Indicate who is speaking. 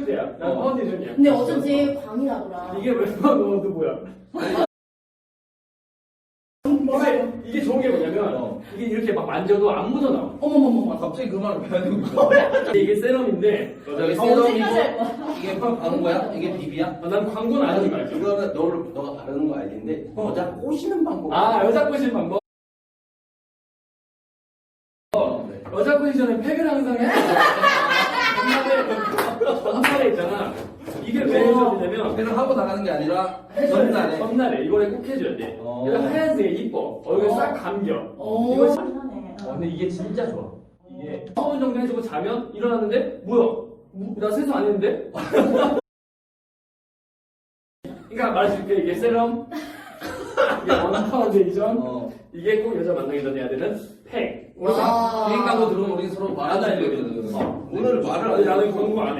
Speaker 1: 파운데이션이야. 난 파운데이션이야.
Speaker 2: 근데 어쩐지 광이 나더라.
Speaker 1: 이게 웬만한 너도 뭐야? 이게 좋은 게 뭐냐면 이게 이렇게 막 만져도 안 묻어나와.
Speaker 2: 어머머머머.
Speaker 3: 갑자기 그 말을 왜 하는 거야?
Speaker 1: 이게 세럼인데
Speaker 3: 저기
Speaker 2: 언제까지 할
Speaker 3: 세럼이고
Speaker 2: 거야?
Speaker 3: 이게 팍 바른 거야? 이게 비비야?
Speaker 1: 난 광고는 안 하지 말죠.
Speaker 4: 이거는 너가 바르는 거 알겠는데 여자 꼬시는 방법.
Speaker 1: 아 여자 꼬시는 방법. 여자 꼬시전에 팩을 항상 해. 전날에 있잖아. 이게 왜 해줘야되냐면
Speaker 3: 그냥 하고 나가는 게 아니라 전날에.
Speaker 1: 전날에 이거를 꼭 해줘야 돼. 얘가 하얀색이 이뻐. 얼굴 싹 감겨. 이거 근데 이게 진짜 좋아. 이게 서분 정도 해주고 자면 일어났는데 뭐야? 나 세수 안 했는데? 그러니까 말해줄게. 이게 세럼, 이게 원파운데이션, 이게 꼭 여자 만나기 전에 해야 되는 팩.
Speaker 3: 비행 광고 들어오면 우리 서로 말하자 이거거든.
Speaker 4: 오늘 말을 안
Speaker 1: 나는 광고 안 해.